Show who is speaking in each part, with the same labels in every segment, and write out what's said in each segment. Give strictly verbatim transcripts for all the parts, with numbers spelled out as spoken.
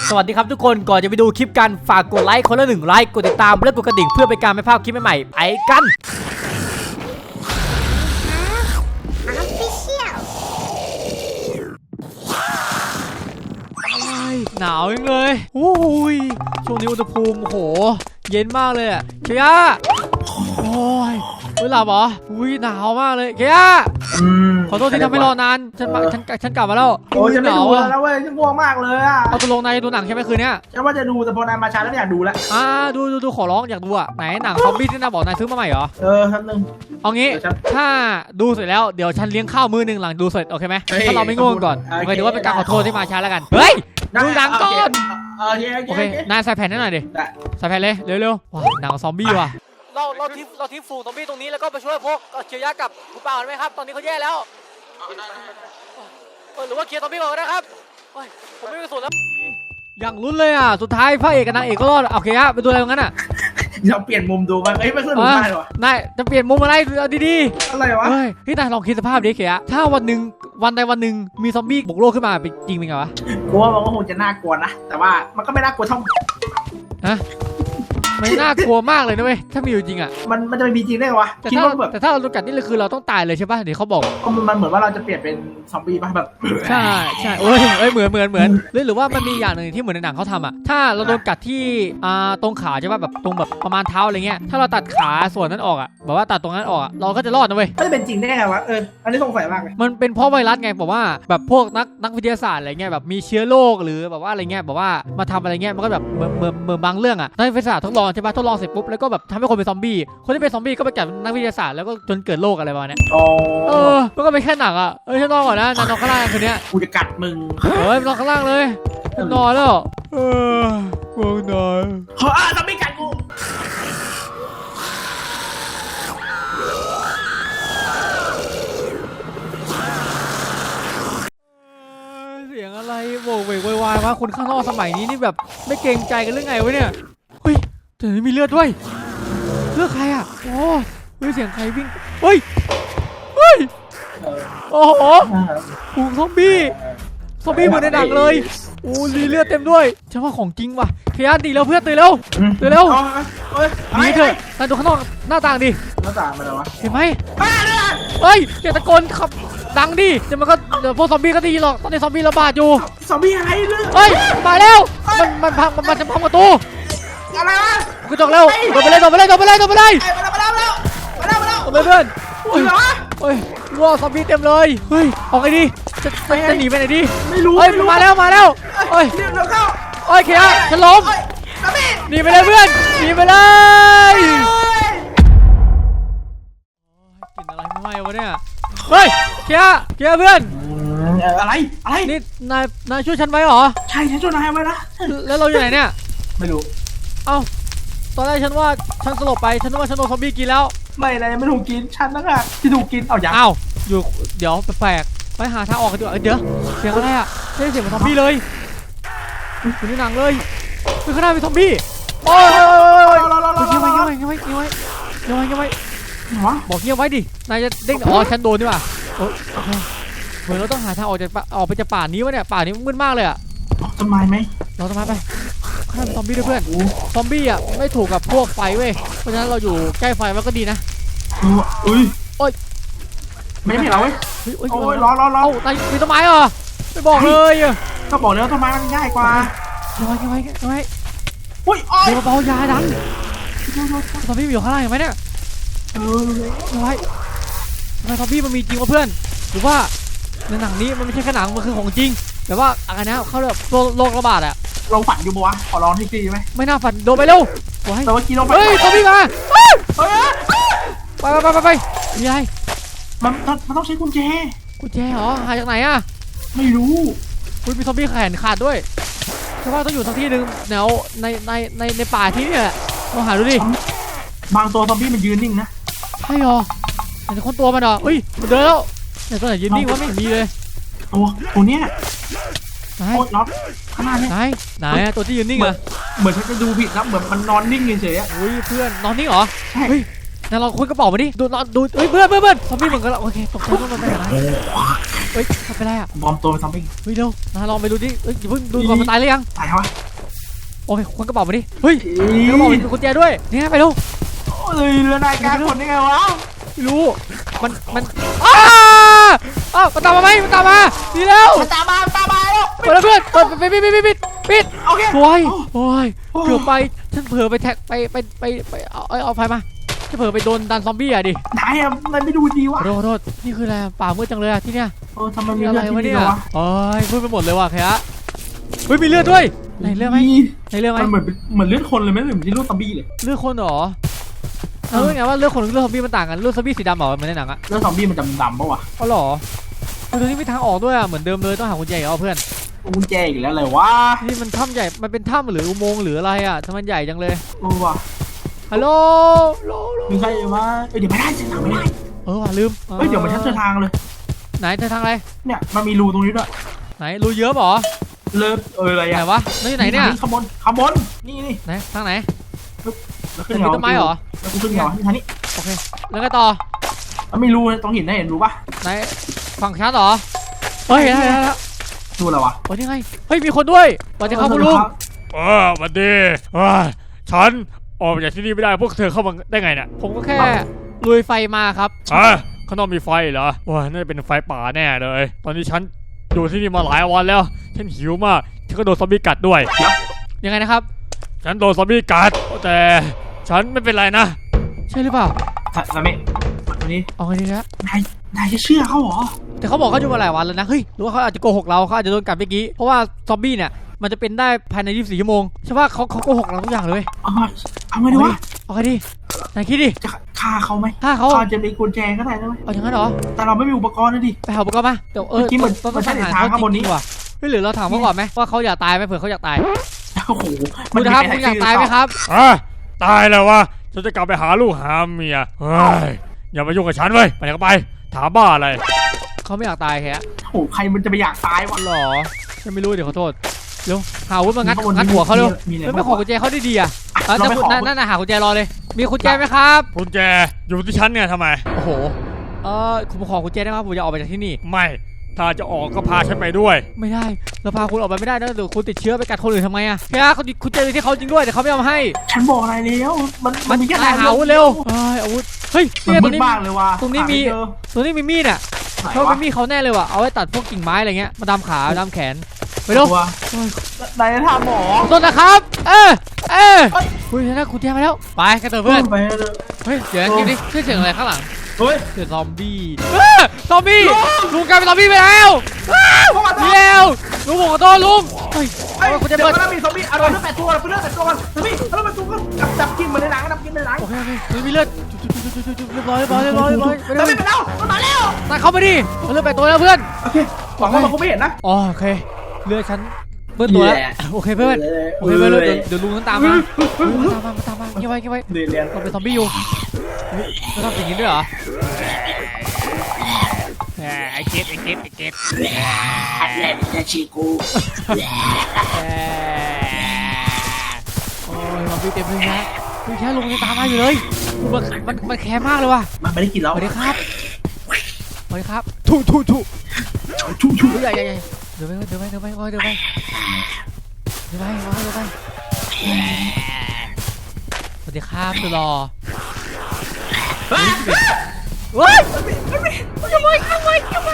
Speaker 1: สวัสดีครับทุกคนก่อนจะไปดูคลิปกันฝากกดไลค์คนละหนึ่งไลค์กดติดตามและกดกระดิ่งเพื่อเป็นการไม่พลาดคลิปใหม่ๆไปกันหนาวยังเลยโอ้ยช่วงนี้อุณหภูมิโหเย็นมากเลยอะเคียโอ้ยเวลาเหรออุ้ยหนาวมากเลยเคียขอโทษที่ทำให้รอนานฉันมาฉันฉันกลับมาแล้ว
Speaker 2: โอ้ยฉันไม่ดูแล้วเว้ยฉันง่วงมากเลยอะ
Speaker 1: เอาตัวลงในดูหนังใช่ไหมคืนนี้
Speaker 2: ฉันว่าจะดูแต่พอนายมาช้าแล้วอยากดูแล้ว
Speaker 1: อ่าดูดูดูขอร้องอยากดูอะไหนหนังซอมบี้ที่นายบอกนายซื้อมาใหม่เหรอ
Speaker 2: เออครับนึง
Speaker 1: เอางี้ถ้าดูเสร็จแล้วเดี๋ยวฉันเลี้ยงข้าวมื้อนึงหลังดูเสร็จโอเคไหมถ้าเราไม่ง่วงก่อนโอเคถือว่าเป็นการขอโทษที่มาช้าแล้วกันเฮ้ยดูหนังก่อนโอเคนายใส่แผ่นให้หน่อยดิใส่แผ่นเลยเร็วๆว้าหนังซอมบี้ว่ะเราเราทิ้งเราทิ้งฝูงซอมบี้ตรงนี้แล้วก็ไปช่วยพวกเคียร์ยากับคุณป่าวไหมครับตอนนี้เขาแย่แล้วหรือว่าเคลียร์ซอมบี้ก่อนนะครับผมไม่ไปสนแล้วอย่างลุ้นเลยอ่ะสุดท้ายพระเอกกับนางเอกก็รอดโอเคฮะไปดูอะไรตรงนั้นอ่ะ
Speaker 2: เราเปลี่ยนมุมดูมั้งเอ้ยไม่สนุกมากเลยวะ
Speaker 1: นายจะเปลี่ยนมุมอะไรดี
Speaker 2: ๆอะไรวะ
Speaker 1: เฮ้ยพี่นายลองคิดสภาพดิเคียร์ถ้าวันหนึ่งวันใดวันหนึ่งมีซอมบี้บุกโลกขึ้นมาเป็นจริงเป็นไงวะ
Speaker 2: กลัวมันก็คงจะน่ากลัวนะแต่ว่ามันก็ไม่น่ากลัวเท่า
Speaker 1: ฮะไม่น่ากลัวมากเลยนะเว้ยถ้ามีอยู่จริงอ่ะ
Speaker 2: มันมันจะไม่มีจริงได้หรอวะ
Speaker 1: แต่ถ้าแต่ถ้าเราโดนกัดนี่เลยคือเราต้องตายเลยใช่ป่ะเดี๋ยวเขาบอก
Speaker 2: มันเหมือนว่าเราจะเปลี่ยนเป็นซอมบี้ป่ะแบบ
Speaker 1: ใช่ใช่โอ้ยเอ้ยเหมือนเหมือนเหมือนหรือหรือว่ามันมีอย่างหนึ่งที่เหมือนในหนังเขาทำอ่ะถ้าเราโดนกัดที่อ่าตรงขาใช่ป่ะแบบตรงแบบประมาณเท้าอะไรเงี้ยถ้าเราตัดขาส่วนนั้นออกอ่ะแบบว่าตัดตรงนั้นออกเราก็จะรอดนะเว้ย
Speaker 2: ไม่เป็นจริงได้ไงวะเอออันนี้สงสัยมากเลย
Speaker 1: มันเป็นเพราะไวรัสไงบอกว่าแบบพวกนักนักวิทยาศาสตร์อะไรเงี้ยแบบมีเชื้อโรคหรือแบบว่าอะไรเงี้ยแบบว่ามาทำอะไรเงี้ยมันก็แบบเหมือนเหมือนเหมือนบางเรื่องอ่ะนักวิทยาศาสตร์ทดลองใช่ป่ะทดลองเสร็จปุ๊บแล้วก็แบบทำให้คนเป็นซอมบี้คนที่เป็นซอมบี้ก็ไปกัดนักวิทยาศาสตร์แล้วก็จนเกิดโรคอะไรประมาณนี้เออมันก็เป็นแค่หนังอ่ะเออฉันนอนก่อนนะนอนข้างล่างคืนนี้
Speaker 2: กูจะกัดมึง
Speaker 1: เฮ้ยนอนข้างล่างเลยนอนแล้วเออง่วงนอน
Speaker 2: เฮ้ยซอมบี้กัดกู
Speaker 1: เสียงอะไรโวกเวกวายวะคนข้างนอกสมัยนี้นี่แบบไม่เกรงใจกันเรื่องไงวะเนี่ยเฮ้ยแต่มีเลือดด้วยเลือดใครอ่ะโอ้เฮ้ยเสียงใครวิ่งเฮ้ยเฮ้ยโอ้โหฝูงซอมบี้ซอมบี้เหมือนในหนังเลยโอ้ลีเลือดเต็มด้วยฉันว่าของจริงว่ะเคียร์ตีแล้วเพื่อนตีแล้วตีแล้วหนีเถอะนายดูข้างนอกหน้าต่างดิ
Speaker 2: หน้าต่างมาแล้ววะ
Speaker 1: เห็นไหมเฮ้ยเจ้าตะโกนขับดังดิเดี๋ยวมันก็เดี๋ยวพวกซอมบี้ก็ดีหรอกตอนนี้ซอมบี้ระบาดอยู่
Speaker 2: ซอมบี้อะไรเนี่ย
Speaker 1: เฮ้ยมาแล้วมันมันพังมันจะพังประตู
Speaker 2: อะไรวะ
Speaker 1: กระจกเร็วโดนไปเลยโดนไปเลยโดนไปเลยโดนไปเลย
Speaker 2: มาแล้วมาแล้วมาแล้วมาแล้ว
Speaker 1: โดนไปเพื่อนเฮ้ยเฮ้ยว้าวซอมบี้เต็มเลยเฮ้ยออกไงดีจะจะหนีไปไหนดี
Speaker 2: ไม่รู้
Speaker 1: เฮ้ยมาแล้วมาแล้วเฮ้ย
Speaker 2: เร็วเข้า
Speaker 1: เฮ้ยเคียร์ฉันล้มหนีไปเลยเพื่อนหนีไปเลยกินอะไรไม่ไหววะเนี่ยเฮ้ยเคียร์เคียร์เพื่อน
Speaker 2: อะไรอะไร
Speaker 1: นี่นายนายช่วยฉันไว้เหรอ
Speaker 2: ใช่ฉันช่วยนายไว้นะ
Speaker 1: แล้วเราอยู่ไหนเนี่ย
Speaker 2: ไม่รู้
Speaker 1: เอ้าตอนแรกฉันว่าฉันสลบไปฉันนึกว่าฉันโดนซอมบี้กินแล้ว
Speaker 2: ไม่เลยไม่ถูกกินฉันนะค่ะที่ถูกกินเอาอย่าง
Speaker 1: อ้าวอยู่เดี๋ยวแปลกไปหาทางออกกันดีกว่าเดี๋ยวเสียงอะไรอ่ะไม่ได้เสียงเหมือนซอมบี้เลยอยู่ในหนังเลยคือข้างหน้าเป็นซอมบี้โอ้ยโอ้ยโอ้ยเงียบไว้เงียบไว้เงียบไว้เงียบไว้เงียบไว้เงียบไว้บอกเงียบไว้ดินายจะเด้งอ๋อฉันโดนดีกว่าเหมือนเราต้องหาทางออกจากออกไปจากป่านี้วะเนี่ยป่านี้มืดมากเลยอ่ะ
Speaker 2: ต้นไม้ไหม
Speaker 1: เราต้นไม้ไปข้ามซอมบี้ด้วยเพื่อนซอมบี้อ่ะไม่ถูกกับพวกไฟเว้ยเพราะฉะนั้นเราอยู่ใกล้ไฟมันก็ดีนะ
Speaker 2: อุ้ย
Speaker 1: โอ้ย
Speaker 2: ไม่เห็นเราเว้ยโอ้ยร้อนร้อนร้อน
Speaker 1: นายมีต้นไม้เหรอไม่บอกเลย
Speaker 2: ก็บอกแล้วต้นไม้มันง่ายกว่า
Speaker 1: ยังไงยังไงยังไง
Speaker 2: อุ้ย
Speaker 1: เดี๋ยวเบายาดังซอมบี้อยู่ข้างล่างเห็นไหมเนี่ย
Speaker 2: เออ
Speaker 1: ยังไงทำไมซอมบี้มันมีจริงวะเพื่อนหรือว่าในหนังนี้มันไม่ใช่แค่หนังมันคือของจริงแต่ว่าอะไรนะเขาเรียกโรคระบาดอะ
Speaker 2: เราฝันอยู่ปะวะขอร้องทีทีไหม
Speaker 1: ไม่น่าฝันโดนไปเร็ว
Speaker 2: แต่ว่ากี้เรา
Speaker 1: เฮ้ยซอมบี้มาไปไปไปไปไปมีอะไร
Speaker 2: มันมันต้องใช้กุญแจ
Speaker 1: กุญแจเหรอหาจากไหนอะ
Speaker 2: ไม่รู้
Speaker 1: คุณมีซอมบี้แขนขาดด้วยใช่ว่าต้องอยู่สักที่หนึ่งแนวในในในในป่าที่นี่แหละลองหาดูดิ
Speaker 2: บางตัวซอมบี้มันยืนนิ่งนะ
Speaker 1: ใช่หรอแต่คนตัวมันเหรอเฮ้ยมันเดินแล้วแต่ตัวไหนยืนนิ่งวะไม่มีเลย
Speaker 2: ตัวตัวเนี้ย
Speaker 1: ไหน
Speaker 2: ล็อกข้างหน้าเนี่ย
Speaker 1: ไหนไหนตัวที่ยืนนิ่งอะ
Speaker 2: เหมือนฉันจะดูผิดนะเหมือนมันนอนนิ่งเฉยๆ
Speaker 1: อุ้ยเพื่อนนอนนิ่งเหรอใช่เฮ้ยนั่นเราคุยกระเป๋ามาดิดูนอนดูเฮ้ยเพื่อนเพื่อนเพื่อนซอมบี้เหมือนกันโอเคตกใจต้องมาไปไหนเฮ้ยทำไปไรอ่ะ
Speaker 2: บอมตัวเป็นซอมบี้
Speaker 1: เฮ้ยเร็วนาลองไปดูดิเฮ้ยอย่าเพิ่งดูก่อนมันตายหรือยัง
Speaker 2: ตายเขาวะ
Speaker 1: โอเคคนกระเป๋ามาดิเฮ้ยกระเป๋ามีกุญแจด้วยเนี่ยไปเร็ว
Speaker 2: เอ้ยเรือนายกลางคนได้ไงวะ
Speaker 1: ไม่รู้มันมันอ้าอ้าวมันตามมาไหมมันตามมาดีแล้ว
Speaker 2: มันตามมาตามมาแล้ว
Speaker 1: เปิดแล้วเพื่อนเปิดปิดปิดปิดปิดปิดปิด
Speaker 2: โอเค
Speaker 1: โอ้ยโอ้ยเกือบไปฉันเผลอไปแท็กไปไปไปไปเอาเอาเอาไฟมาฉันเผลอไปโดนดันซอมบี้อ่ะดิ
Speaker 2: นายอะนายไม่ดูดีวะ
Speaker 1: ขอโทษขอโทษนี่คืออะไรป่ามืดจังเลยอ่ะที่เนี้ย
Speaker 2: เออทำไมมี
Speaker 1: มีอะ
Speaker 2: เลื
Speaker 1: ไร
Speaker 2: อดที่
Speaker 1: วะ
Speaker 2: นี่
Speaker 1: เนี่ย
Speaker 2: วะ
Speaker 1: โอ้ยมืดไปหมดเลยว่ะแค่เฮ้ยมีเลือดด้วยไหนเลือดไหมไหนเลือดไหม
Speaker 2: มันเหมือนเหมือนเลือดคนเลยไหมเหมือนที่ลูกซอมบี้เลย
Speaker 1: เลือดคนเหรอเออไงว่าเลือดคนกับเลือดซอมบี้มันต่างกันเลือดซอมบี้สีดำเหรอเหมือนในหนังอ่ะ
Speaker 2: เลือดซอมบี้มันดำดำปะวะ
Speaker 1: อ๋อเหรอเออตรงนี้มีทางออกด้วยอ่ะเหมือนเดิมเลยต้องหากุญแจอีกเอาเพื่อน
Speaker 2: กุญแจอีกแล้วเลยวะ
Speaker 1: นี่มันถ้ำใหญ่มันเป็นถ้ำหรืออุโมงค์หรืออะไรอ่ะทำไมมันใหญ่จังเลย
Speaker 2: เออว่ะ
Speaker 1: ฮัลโหลโลโล
Speaker 2: มีใครมาเอ้ยเดี๋ยวไม่ได้เส้นทางไม่ได้
Speaker 1: เออว่ะลืม
Speaker 2: เฮ้ยเดี๋ยวมันชัดเจอทางเลย
Speaker 1: ไหนเจอทางอะไร
Speaker 2: เนี่ยมันมีรูตรงนี้ด้วย
Speaker 1: ไหนรูเยอะเหรอ
Speaker 2: เลิศเอออะไร
Speaker 1: ไหน
Speaker 2: อะ
Speaker 1: วะนี่ไหนเนี่ย
Speaker 2: ขบวนขบวนนี่นี่
Speaker 1: ไหนทางไหน
Speaker 2: แล้ว
Speaker 1: เป็นต้นไม้เหรอ
Speaker 2: แล้วกูขึ้นเหรอที่ทางนี้
Speaker 1: โอเคแล้วก็ต่อ
Speaker 2: มันไม่รู้ตรงหินได้เห็นรู้ปะ
Speaker 1: ไหนฝั่งชัดเหรอเฮ้ยเห็นแล้วเห็นแล้ว
Speaker 2: ดูอะไรวะ
Speaker 1: โอ้ยนี่ไงเฮ้ยมีคนด้วยสวัสดีครับคุณลุง
Speaker 3: เออสวันดีเอ้ยฉันออกมาจากที่นี่ไม่ได้พวกเธอเข้ามาได้ไงเนี่ย
Speaker 1: ผมก็แค่ลุยไฟมาครับ
Speaker 3: ฮะข้างนอกมีไฟเหรอว้าน่าจะเป็นไฟป่าแน่เลย ตอนนี้ฉันอยู่ที่นี่มาหลายวันแล้ว ฉันหิวมาก ฉันก็โดนซอมบี้กัดด้วย
Speaker 1: ยังไงนะครับ
Speaker 3: ฉันโดนซอมบี้กัด แต่ฉันไม่เป็นไรนะ
Speaker 1: ใช่หรือเปล่า
Speaker 2: สามีอันนี้
Speaker 1: เอาไงดีนะ
Speaker 2: นายนายจะเชื่อเขาเหรอ
Speaker 1: แต่เขาบอกเขาอยู่มาหลายวันแล้วนะเฮ้ยหรือว่าเขาอาจจะโกหกเราเขาอาจจะโดนกัดเมื่อกี้เพราะว่าซอมบี้เนี่ยมันจะเป็นได้ภายในยี่สิบสี่ชั่วโมงใช่ป่ะเขาเขาโกหกเราทุกอย่างเลย
Speaker 2: เอามาเอาไงดีวะ
Speaker 1: เอาไงดีไหนคิดดิ
Speaker 2: จะฆ่าเขาไหม
Speaker 1: ถ้าเขา
Speaker 2: เขาจะมีกุญแจก็ได้นะเว้ย
Speaker 1: เอาอย่างนั้นเหรอ
Speaker 2: แต่เราไม่มีอุปกรณ์นะดิ
Speaker 1: ไปหาอุปกรณ์มาเดี๋ยวเออ
Speaker 2: เมื่อกี้มัน
Speaker 1: ต้อง
Speaker 2: มันใช่
Speaker 1: ต้อง
Speaker 2: ทาง
Speaker 1: เขา
Speaker 2: ข้างบนนี้
Speaker 1: จริงๆว่ะเฮ้ยหรือเราถามเขาก่อนไหมว่าเขาอยากตายไหมเผื่อเขาอยากตาย
Speaker 2: โอ้โห
Speaker 1: คุณนะครับคุณอยากตายไหมครับ
Speaker 3: อ่ะตายแล้ววะ ฉันจะกลับไปหาลูกหาเมีย เฮ้ย อย่ามายุ่งกับฉันเว้ย ไปไหนก็ไป ถามบ้าอะไร
Speaker 1: เขาไม่อยากตายแค่
Speaker 2: โอ้โหใครมันจะไปอยากตายวะ
Speaker 1: หรอฉันไม่รู้เดี๋ยวขอโทษเร็วหาอาวุธมางัด
Speaker 2: ข้างบน
Speaker 1: งัดหัวเขาเร็ว
Speaker 2: มีอะไร
Speaker 1: เฮ้ยไม่
Speaker 2: บ้าง
Speaker 1: ขอ
Speaker 2: วะ
Speaker 1: กุญแจเขาดีๆอ่ะอ่ะ
Speaker 2: เรา
Speaker 1: จะ
Speaker 2: ไม่ขอ
Speaker 1: นั่นนั่นน่ะหากุญแจรอเลย มีกุญแจไหมครับ
Speaker 3: กุญแจอยู่ที่ฉันเนี่ยทำไม
Speaker 1: โอ้โหเออผมขอกุญแจได้ไหมครับผมจะออกไปจากที่นี่
Speaker 3: ไม่ ถ้าจะออกก็พาฉันไปด้วย
Speaker 1: ไม่ได้เราพาคุณออกไปไม่ได้นะเดี๋ยวคุณติดเชื้อไปกัดคนอื่นทำไงอ่ะแค่เขาคุณเจอที่เขาจริงด้วยแต่เขาไม่เอามาให้
Speaker 2: ฉันบอกนายแล้วมันมันมีแค่
Speaker 1: นายหาอาวุธเร็วเอ้ยอาวุธเฮ้ย
Speaker 2: มัน
Speaker 1: เนี่ยต
Speaker 2: มื
Speaker 1: รง
Speaker 2: ด
Speaker 1: นี้
Speaker 2: มากเลยว่ะ
Speaker 1: ตรงนี้มี
Speaker 2: หาไเจอ
Speaker 1: ตรงนี้มีมีดอ่ะ
Speaker 2: ไหน
Speaker 1: เขา
Speaker 2: วะ
Speaker 1: เป็นมีดเขาแน่เลยว่ะเอาไว้ตัดพวกกิ่งไม้อะไรเงี้ยมาดามขาดามแขนไปเร็ว
Speaker 2: ตัวนายจะทำหมอ
Speaker 1: ขอโทษนะครับ เออเออเฮ้ยนะคุณแจมาแล้วไปกันเถอะเพื่อน
Speaker 2: ไปเลย
Speaker 1: เฮ้ยเดี๋ยวนะคิดดิเสียงอะไรข้างหลัง
Speaker 2: เฮ้ย
Speaker 1: เสียงซอมบี้เออซอมบี้ลุงกลายเป็นซอมบี้ไปแล้วเดียวลุงผมขอโทษลุงเฮ้ย
Speaker 2: ไอ้
Speaker 1: เอา
Speaker 2: คุ
Speaker 1: คุณ ณ
Speaker 2: จะ
Speaker 1: จะ
Speaker 2: เปิ
Speaker 1: เปิ
Speaker 2: ด
Speaker 1: ด
Speaker 2: มีซอมบี้เอาเราเลือดแปดตัวเราเลือดแปดตัวกันซอมบี้เอาเลือดแปดตัวกันจับจับกินเหมือนในหนังจับกินเหมือนในหนัง
Speaker 1: โอเคโอเคเฮ้ยมีเลือดจุ๊บจุ๊บจุ๊บจุ๊บจุ๊บเรียบร้อยเรียบร้อยเรียบร้อยเรียบร้อยไป
Speaker 2: ซอม
Speaker 1: เร็ว
Speaker 2: บี้ไปแล้วมันมาแล้ว
Speaker 1: ตายเข้าไปดิมันเลือดแปดตัวแล้วเพื่อน
Speaker 2: โอเคหวังว่ามันคงไม่เห็นนะ
Speaker 1: อ๋อโอเคเลือดฉันเปื้อนตัวแล้วโอเคเพื่อนโอเคเพื่อนเดี๋ยวเดี๋ยวลุงฉันตามมาตามมาตามมาเก็บไว้เก็บไว้
Speaker 2: เรียนเรียน
Speaker 1: เราเป็นซอมบี้อยู่จะทำอย่างนี้ด้วยเหรอ
Speaker 3: ไอ้เก็บไอ้เก็บไอ้เก็บ
Speaker 2: เล่นจะชีกู
Speaker 1: โอ้ยซอมบี้เต็มเลยนะคือแค่ลุงยังตามมาอยู่เลยมันมันมันแค้นมากเลยว่ะ
Speaker 2: มันไม่ได้กิน
Speaker 1: ส
Speaker 2: แล้ว
Speaker 1: วัสดีครับสวัสดีครับถูถูถู
Speaker 2: ชูชู
Speaker 1: ใหญ่ใหญ่ใหญ่เดี๋ยวไปเดี๋ยวไปเดี๋ยวไปเดี๋ยวไปเดี๋ยวไปเดี๋ยวไปเดี๋ยวไปสวัสดีครับสุดหล่อเฮ้ยทำไมทำไมทำไม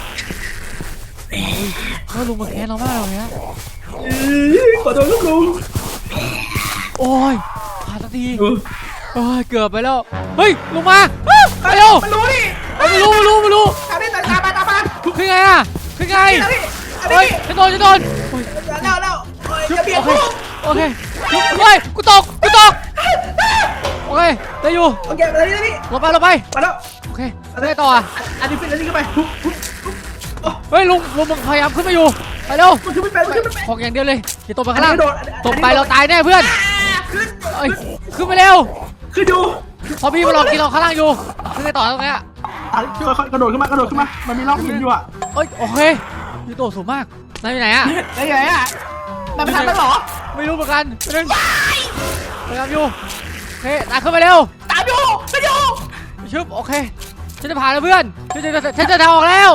Speaker 1: เฮ้ยลุงมาแค้นเรามากเลยนะ
Speaker 2: ขอโทษลูกลุง
Speaker 1: โอ้ยผ่านสักทีโอ้ยเกือบไปแล้วเฮ้ยลุงมาไปเร็ว
Speaker 2: มันรู้ดิ
Speaker 1: ไม่รู้ไม่รู้ไม่รู้
Speaker 2: อันนี้ตามมาตามมา
Speaker 1: ขึ้นไงอ่ะขึ้นไง
Speaker 2: อันนี้อัน
Speaker 1: เฮ้ย
Speaker 2: นี้
Speaker 1: จะโดนจะโดน
Speaker 2: แล้วแล้วจะเบียด
Speaker 1: โอเค
Speaker 2: กู
Speaker 1: โอเคเฮ้ยกูตกกูตกโอเคได้อยู่
Speaker 2: โอเคมาแล้วนี่
Speaker 1: ลงไปลงไป
Speaker 2: มาแล้ว
Speaker 1: โอเคได้ต่ออ่ะ
Speaker 2: อันนี้เป็นอันนี้ขึ้นไป
Speaker 1: เฮ้ยลุงลุงมึงพยายามขึ้นมาอยู่ไปเร็ว
Speaker 2: มันขึ้นไม่เป็นมันขึ้นไม่เป็น
Speaker 1: ขอกอย่างเดียวเลยอย่าตกไปข้างล่าง
Speaker 2: โดด
Speaker 1: ตกไปเราตายแน่เพื่อน
Speaker 2: ขึ้น
Speaker 1: เอ้ยขึ้นไปเร็ว
Speaker 2: ขึ้นดู
Speaker 1: พอพี่มาลองกินเราข้างล่างอยู่ขึ้นไปต่อตรงนี้
Speaker 2: ค่อยๆกระโดดขึ้นมากระโดดขึ้นมามันมีร่องหินอยู่อ่ะ
Speaker 1: เอ้ยโอเคยูโตสูงมากนายอยู่ไหนอ่ะ
Speaker 2: ได้ไงอ่ะมันไปทำมันหรอ
Speaker 1: ไม่รู้เหมือนกันไปนึงพยายามอยู่โอเคตายขึ้นไปเร็ว
Speaker 2: ตามอยู่ตามอยู่
Speaker 1: ชึบโอเคฉันจะผ่านแล้วเพื่อนฉันจะฉันจะทางออกแล้ว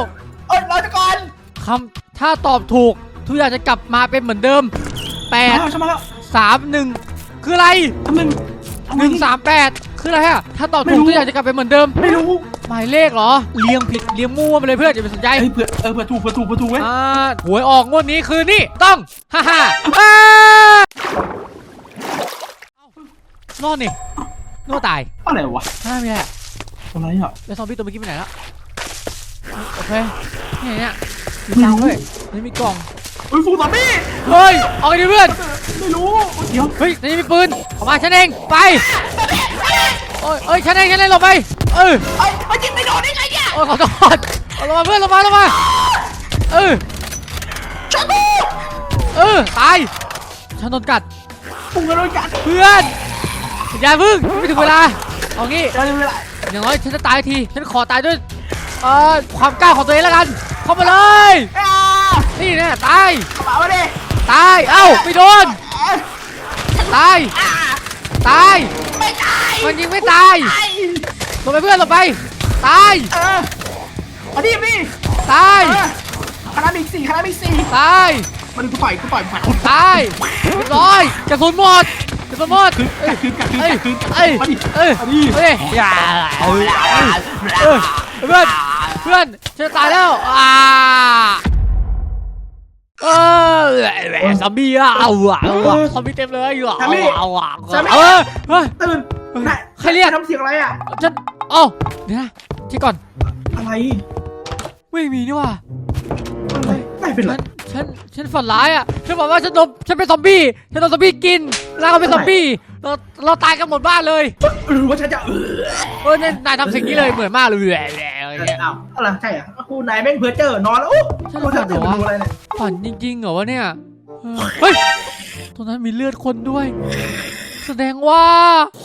Speaker 2: เอ้ยรอจะก่อน
Speaker 1: คำถ้าตอบถูกทุกอย่างจะกลับมาเป็นเหมือนเดิมแปด
Speaker 2: มาแล้วฉันมาแล้ว
Speaker 1: สามหนึ่งคืออะไร
Speaker 2: ทำหนึ่ง
Speaker 1: หนึ่งสามแปดคืออะไรฮะถ้าตอบ
Speaker 2: ไม่
Speaker 1: ถู
Speaker 2: รู้
Speaker 1: กทุกอย่างจะกลับไปเหมือนเดิม
Speaker 2: ไม่รู้
Speaker 1: หมายเลขเหรอเรียงผิดเรียงมั่วไปเลยเพื่อนอย่าไปสนใจ
Speaker 2: เฮ้ยเผื่อเออเผื่อถูกเผื่อถูกเผื่อถูกเว้ย
Speaker 1: อ่าหวยออกงวดนี้คือนี่ต้องฮ่าฮ่าอ่ารอดนี่นึกว่าตาย
Speaker 2: อะไรวะ
Speaker 1: ไม่มีอะไรอะ
Speaker 2: อะไรอ่ะ
Speaker 1: แล้วซอมบี้ตัวเมื่อกี้ไปไหนแล้วโอเคนี่เนี่ยมีตังค์ด้วยนี่มีกล่อง
Speaker 2: เฮ้ยฟูซอมบี้
Speaker 1: เฮ้ยเอาไปดิเพื่อน
Speaker 2: ไม่รู้เดี๋ยว
Speaker 1: เฮ้ยนี่มีปืนออกมาฉันเองไปโอ้ยเอ้ยฉันเองฉันเองหลบไปเออ
Speaker 2: ไอ้ไอ้ยิงไม่โดนได้ไงเนี่ย
Speaker 1: โอ้ยขอโทษเอาลงมาเพื่อนลงมาลงมาเออ
Speaker 2: ช่วยกู
Speaker 1: เออตายฉันโดนกัด
Speaker 2: ปุงกระโดดกัด
Speaker 1: เพื่อนอย่าพึ่งไม่ถึงเวลาเอางี้
Speaker 2: เดี๋ยวเวลา
Speaker 1: อย่างน้อยฉันจะตายทีฉันขอตายด้วยเอ่อความกล้าของตัวเองแล้วกันเข้ามาเลย
Speaker 2: อ่า
Speaker 1: นี่แน่ตาย
Speaker 2: กระเป๋ามาดิ
Speaker 1: ตายเอ้าไม่โดนตาย
Speaker 2: อ่า
Speaker 1: ตาย
Speaker 2: ไม่ตาย
Speaker 1: มันยิงไม่ตาย
Speaker 2: ไอ้
Speaker 1: ลงไปเพื่อนลงไปตาย
Speaker 2: เออมาดิพี่
Speaker 1: ตาย
Speaker 2: เออคณะมีสี่คณะมีสี่
Speaker 1: ตาย
Speaker 2: มันกูต่อยกูต่อยกูต่อย
Speaker 1: ตายเรียบร้อยกระสุนหมดกระสุนหมด
Speaker 2: กัดคืนกัดคืน
Speaker 1: เอ้ย
Speaker 2: กัดคืน
Speaker 1: เอ้ย
Speaker 2: มาดิ
Speaker 1: เอ้ย
Speaker 2: มาดิ
Speaker 1: เอ้ยอย่าเอ้ยเอ้ยเอ้ยเพื่อนเพื่อนฉันจะตายแล้วอ่าเออซอมบี้อ่ะเอาอ่ะเอาอ่ะซอมบี้เต็มเลยอ่ะเอาอ่ะเอาอ่ะเออเฮ้ย
Speaker 2: ตื่น
Speaker 1: เฮ้ย
Speaker 2: นาย
Speaker 1: ใครเรียก
Speaker 2: ทำเสียงอะไรอ่ะ
Speaker 1: ฉันเอ้าเดี๋ยวนะเช็คก่อน
Speaker 2: อะไร
Speaker 1: ไม่มีนี่ว่ะ
Speaker 2: อะไรนายเป็นไร
Speaker 1: ฉันฉันฉันฝันร้ายอ่ะฉันบอกว่าฉันโดนฉันเป็นซอมบี้ฉันโดนซอมบี้กินแล้วก็เป็นซอมบี้เราเราตายกันหมดบ้านเลย
Speaker 2: หรือว่าฉันจะเออ
Speaker 1: เออเนี่ยนายทำสิ่งนี้เลยเหมือนมากเลยแหละแหละอะไรเงี้ย
Speaker 2: อ้าวอะไรใช่อ่ะกูนายแม่งเพ้อเจ้อนอนแล้วโอ้
Speaker 1: ฉัน
Speaker 2: กู
Speaker 1: ฝั
Speaker 2: จะ
Speaker 1: นเหร
Speaker 2: ตื่
Speaker 1: อน วะ
Speaker 2: ดูอะไรเนี่ย
Speaker 1: ฝันจริงๆเหรอวะเนี่ยเออเฮ้ยตรงนั้นมีเลือดคนด้วย แสดงว่า